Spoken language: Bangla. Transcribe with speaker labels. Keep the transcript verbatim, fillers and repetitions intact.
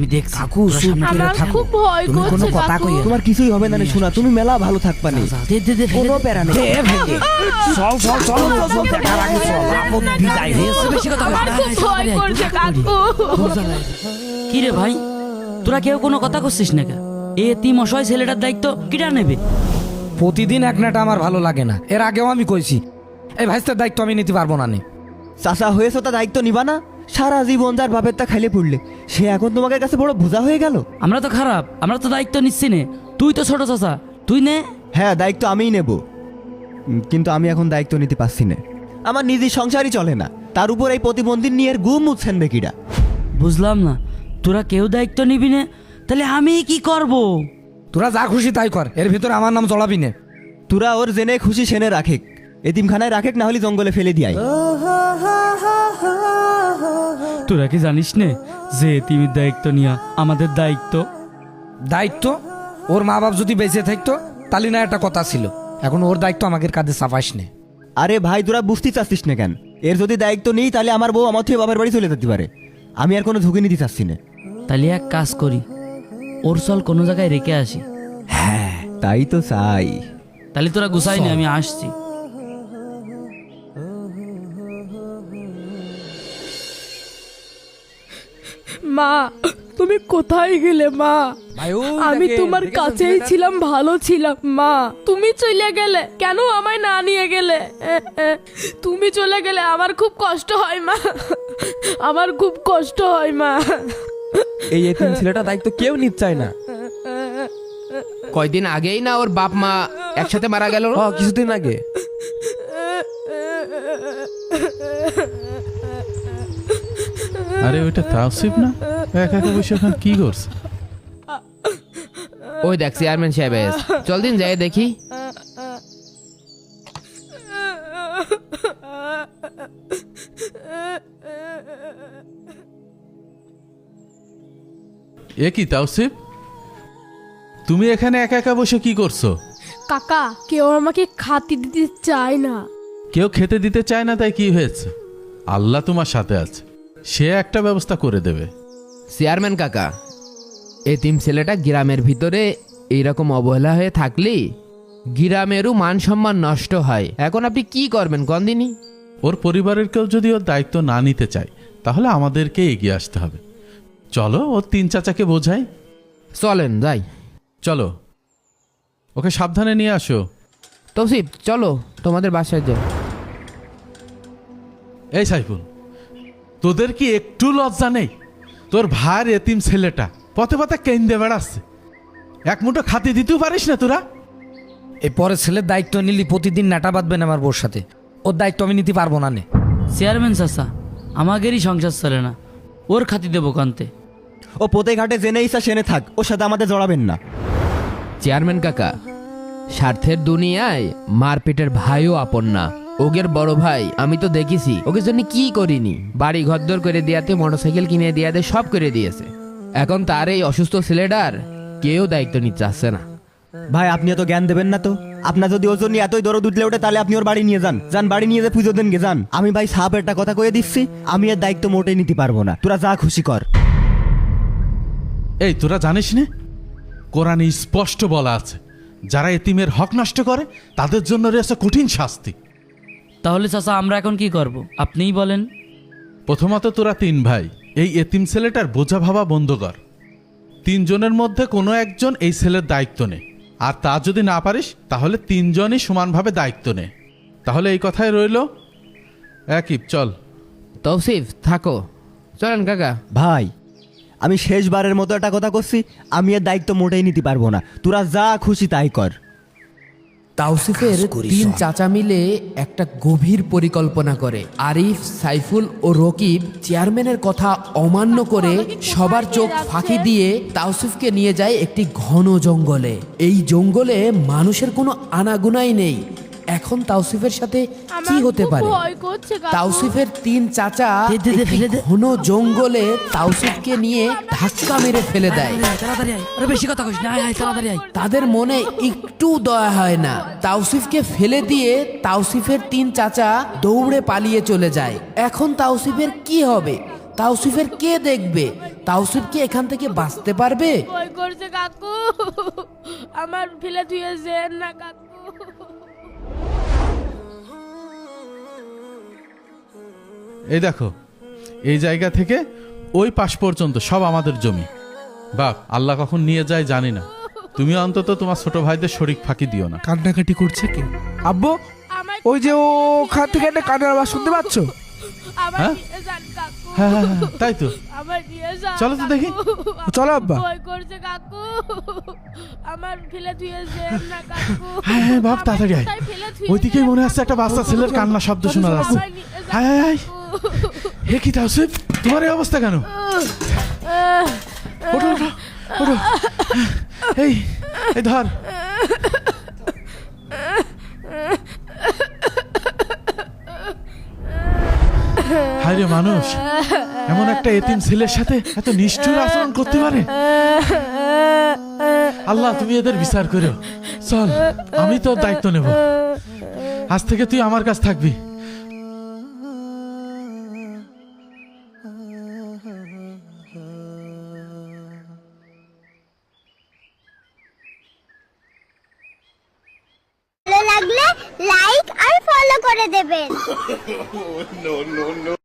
Speaker 1: আমি দেখছি
Speaker 2: কাকু
Speaker 1: তোরা সামনে
Speaker 2: আমার
Speaker 1: গিয়ে থাকো।
Speaker 2: খুব ভয়
Speaker 1: তুমি কোনো
Speaker 2: করছে
Speaker 1: কথা
Speaker 2: কাকু।
Speaker 1: কইও না।
Speaker 3: তোমার কিছুই হবে না রে শোনা, তুমি মেলা ভালো থাকবা নি,
Speaker 1: যা, দে দে দে ফেলে
Speaker 3: কোনো
Speaker 1: দে।
Speaker 3: প্যারা নেই।
Speaker 1: দে ফেলে। চল চল চল চল, চল, দেখার আগে চল, আপদ বিদায় হয়েছে, বেশি কথা
Speaker 2: আমার
Speaker 1: বলিস না।
Speaker 2: খুব ভয় করছে কাকু।
Speaker 1: কি রে ভাই, তোরা কেউ কোনো কথা করছিস না কে? এ এতিম অসহায় ছেলেটার দায়িত্ব কিটা নেবে?
Speaker 4: প্রতিদিন এক নাটা আমার ভালো লাগে না, এর আগেও আমি কইছি এই ভাইস্তার দায়িত্ব আমি নিতে পারবো না নে।
Speaker 3: চাচা হয়েছে তা দায়িত্ব নিবা না? সারা জীবন যার বাপের তা খাইলে পড়লে সে এখন তোমাদের কাছে বড় বোঝা হয়ে গেল।
Speaker 1: আমরা তো খারাপ, আমরা তো দায়িত্ব নিচ্ছি নে। তুই তো ছোট চাচা, তুই নে।
Speaker 3: হ্যাঁ দায়িত্ব আমিই নেব, উম, কিন্তু আমি এখন দায়িত্ব নিতে পারছি না। আমার নিজের সংসারই চলে না, তার উপর এই প্রতিবন্ধী নিয়ে এর গুম উঠছেন বেকিরা।
Speaker 1: বুঝলাম না, তোরা কেউ দায়িত্ব নিবি না, তাহলে আমি কি করব?
Speaker 4: তোরা যা খুশি তাই কর, এর ভিতরে আমার নাম জড়াবি নে।
Speaker 3: তোরা ওর জেনে খুশি সেনে রাখেক, এতিমখানায় রাখেক, না হলে জঙ্গলে ফেলে দিয়াই।
Speaker 1: তোরা কি জানিস নে যে এতিমের দায়িত্ব নিয়া আমাদের দায়িত্ব?
Speaker 4: দায়িত্ব ওর মা বাপ যদি বেঁচে থাকতো তাহলে না একটা কথা ছিল, এখন ওর দায়িত্ব আমাদের কাঁধে চাপাইস নে।
Speaker 3: আরে ভাই তোরা বুঝতে চাচ্ছিস না কেন? এর যদি দায়িত্ব নেই তাহলে আমার বউ আমার থেকে বাবার বাড়ি চলে যেতে পারে, আমি আর কোনো ঝুঁকি নিতে চাচ্ছি না।
Speaker 1: তাহলে এক কাজ করি, ওর চল কোনো জায়গায় রেখে আসি।
Speaker 3: হ্যাঁ তাই তো চাই।
Speaker 1: তাহলে তোরা গুছাই নি, আমি আসছি।
Speaker 2: মা তুমি কোথায় গেলে মা? আমি তোমার কাছেই ছিলাম, ভালো ছিলাম মা। তুমি চলে গেলে কেন, আমায় না নিয়ে গেলে? এ, এ, তুমি চলে গেলে আমার খুব কষ্ট হয় মা, আমার খুব কষ্ট হয় মা।
Speaker 5: এই এতিম ছেলেটা দায়িত্ব কেউ নিতে চায় না।
Speaker 6: কয়দিন আগেই না ওর বাপ মা একসাথে মারা গেল।
Speaker 5: হ কিছুদিন আগে।
Speaker 7: আরে ওইটা তাওসিফ না? একা একা বসে এখন কি করছে?
Speaker 6: ওই দেখ চেয়ারম্যান সাহেব এসে। চল দিন যাই দেখি।
Speaker 7: এ কি তাওসিফ, তুমি এখানে একা একা বসে কি করছো?
Speaker 2: কাকা কেউ আমাকে খাতি দিতে চায় না।
Speaker 7: কেউ খেতে দিতে চায় না তাই কি হয়েছে? আল্লাহ তোমার সাথে আছে, সে একটা ব্যবস্থা করে দেবে।
Speaker 6: চেয়ারম্যান কাকা, এতিম ছেলেটা গ্রামের ভিতরে এইরকম অবহেলা হয়ে থাকলে গ্রামেরও মান সম্মান নষ্ট হয়। এখন আপনি কি করবেন গন্দিনী?
Speaker 7: ওর পরিবারের কেউ যদি ওর দায়িত্ব না নিতে চায় তাহলে আমাদেরকে এগিয়ে আসতে হবে। চলো ওর তিন চাচাকে বোঝাই।
Speaker 6: চলেন যাই।
Speaker 7: চলো, ওকে সাবধানে নিয়ে আসো।
Speaker 6: তৌসিফ চলো তোমাদের বাসায় যাই।
Speaker 7: এই সাইফুল, তোদের কি একটু লজ্জা নেই? তোর ভাইয়ের এতিম ছেলেটা পথে পথে কেন্দে বেড়াচ্ছে, এক মুঠো খাতি দিতেও পারিস না তোরা?
Speaker 4: এই পরে ছেলের দায়িত্ব নিলি প্রতিদিন নাটা বাঁধবেন আমার বোর সাথে, ওর দায়িত্ব আমি নিতে পারবো না নে।
Speaker 1: চেয়ারম্যান চাচা, আমাদেরই সংসার চলে না, ওর খাতি দেবো কান্তে।
Speaker 3: ও পোতে ঘাটে জেনে ইসা সেনে থাক, ওর সাথে আমাদের জড়াবেন না।
Speaker 6: চেয়ারম্যান কাকা, স্বার্থের দুনিয়ায় মারপিটের ভাইও আপন না। ওগের বড় ভাই আমি তো দেখেছি, ওকে জন্য কি করিনি। বাড়ি ঘরদর করে দিয়াতে, মোটরসাইকেল কিনে দিয়াতে, সব করে দিয়েছে। এখন তার এই অসুস্থ ছেলেটার কেউ দায়িত্ব নিতে চাচ্ছে না।
Speaker 3: ভাই আপনি এত জ্ঞান দেবেন না তো। আপনার যদি ওর জন্য এতই দরদ উঠলে ওঠে তাহলে আপনি ওর বাড়ি নিয়ে যান, যান বাড়ি নিয়ে যে পুজো দেন গে যান। আমি ভাই সাপ একটা কথা কয়ে দিচ্ছি, আমি এর দায়িত্ব মোটেই নিতে পারবো না, তোরা যা খুশি কর।
Speaker 7: এই তোরা জানিস না, কোরআনে স্পষ্ট বলা আছে যারা এতিমের হক নষ্ট করে তাদের জন্য রয়েছে কঠিন শাস্তি।
Speaker 1: তাহলে চাচা আমরা এখন কি করব আপনিই বলেন।
Speaker 7: প্রথমত তোরা তিন ভাই এই এতিম ছেলেটার বোঝা ভাবা বন্ধ কর। তিনজনের মধ্যে কোনো একজন এই ছেলের দায়িত্ব নে, আর তা যদি না পারিস তাহলে তিনজনই সমানভাবে দায়িত্ব নে। তাহলে এই কথাই রইল। একই চল।
Speaker 6: তৌসিফ থাকো, চলেন কাকা।
Speaker 3: ভাই আমি শেষবারের মতো একটা কথা করছি, আমি এর দায়িত্ব মোটেই নিতে পারবো না, তোরা যা খুশি তাই কর।
Speaker 6: তাওসিফের তিন চাচা মিলে একটা গভীর পরিকল্পনা করে। আরিফ, সাইফুল ও রকিব চেয়ারম্যানের কথা অমান্য করে সবার চোখ ফাঁকি দিয়ে তাওসিফকে নিয়ে যায় একটি ঘন জঙ্গলে। এই জঙ্গলে মানুষের কোনো আনাগোনাই নেই। এখন তাওসিফের সাথে কি হতে পারে?
Speaker 2: ভয় করছে কাকু।
Speaker 6: তাওসিফের তিন চাচা
Speaker 1: দে, দে, দে,
Speaker 6: একটি
Speaker 1: ফেলে দে।
Speaker 6: ঘন জঙ্গলে তাওসিফকে নিয়ে ধাক্কা মেরে ফেলে দেয়।
Speaker 1: তাড়াতাড়ি আয়, আরে বেশি কথা কইস না, আয় আয় তাড়াতাড়ি আয়।
Speaker 6: তাদের মনে একটু দয়া হয় না। তাওসিফকে ফেলে দিয়ে তাওসিফের তিন চাচা দৌড়ে পালিয়ে চলে যায়। এখন তাওসিফের কি হবে? তাওসিফের কে দেখবে? তাওসিফ কি এখান থেকে বাঁচতে পারবে?
Speaker 2: ভয় করছে কাকু, আমার ফেলে ধুয়েছে না কাকু।
Speaker 7: এই দেখো, এই জায়গা থেকে ওই পাশ পর্যন্ত সব আমাদের জমি। বাপ, আল্লাহ কখন নিয়ে যায় জানি না, তুমি অন্তত তোমার ছোট ভাইদের শরীক ফাঁকি দিও না।
Speaker 4: কান্নাকাটি করছে কে? আব্বু,
Speaker 2: আমার
Speaker 4: ওই যে ওখান থেকে একটা কান্নার আওয়াজ শুনতে পাচ্ছ?
Speaker 2: আমার
Speaker 7: হ্যাঁ?
Speaker 2: নিয়ে যান কাকু,
Speaker 7: হ্যাঁ হ্যাঁ হ্যাঁ, তাই তো।
Speaker 2: আমার নিয়ে যান
Speaker 7: চলো তো দেখি।
Speaker 2: কাকু।
Speaker 4: চলো আব্বা।
Speaker 2: ভয় করছে কাকু, আমার ফেলে ধুয়েছে না কাকু।
Speaker 7: হ্যাঁ হ্যাঁ বাপ, তাড়াতাড়ি আয়।
Speaker 2: কোথায় ফেলে ধুয়েছে
Speaker 7: ওইদিকেই মনে হচ্ছে একটা বাচ্চা ছেলের কান্না শব্দ শোনা যাচ্ছে।
Speaker 2: আমার নিয়ে যান
Speaker 7: হায় হায় হায়।
Speaker 2: কাকু।
Speaker 7: হে কি তাওসিফ, তোমার এই অবস্থা কেন? ওঠো ওঠো ওঠো, এই এই ধর। হায় রে মানুষ, এমন একটা এতিম ছেলের সাথে এত নিষ্ঠুর আচরণ করতে পারে? আল্লাহ, তুমি এদের বিচার করো। চল, আমি তোর দায়িত্ব নেব। আজ থেকে তুই আমার কাছে থাকবি।
Speaker 8: ভালো লাগলে লাইক আর ফলো করে দেবেন।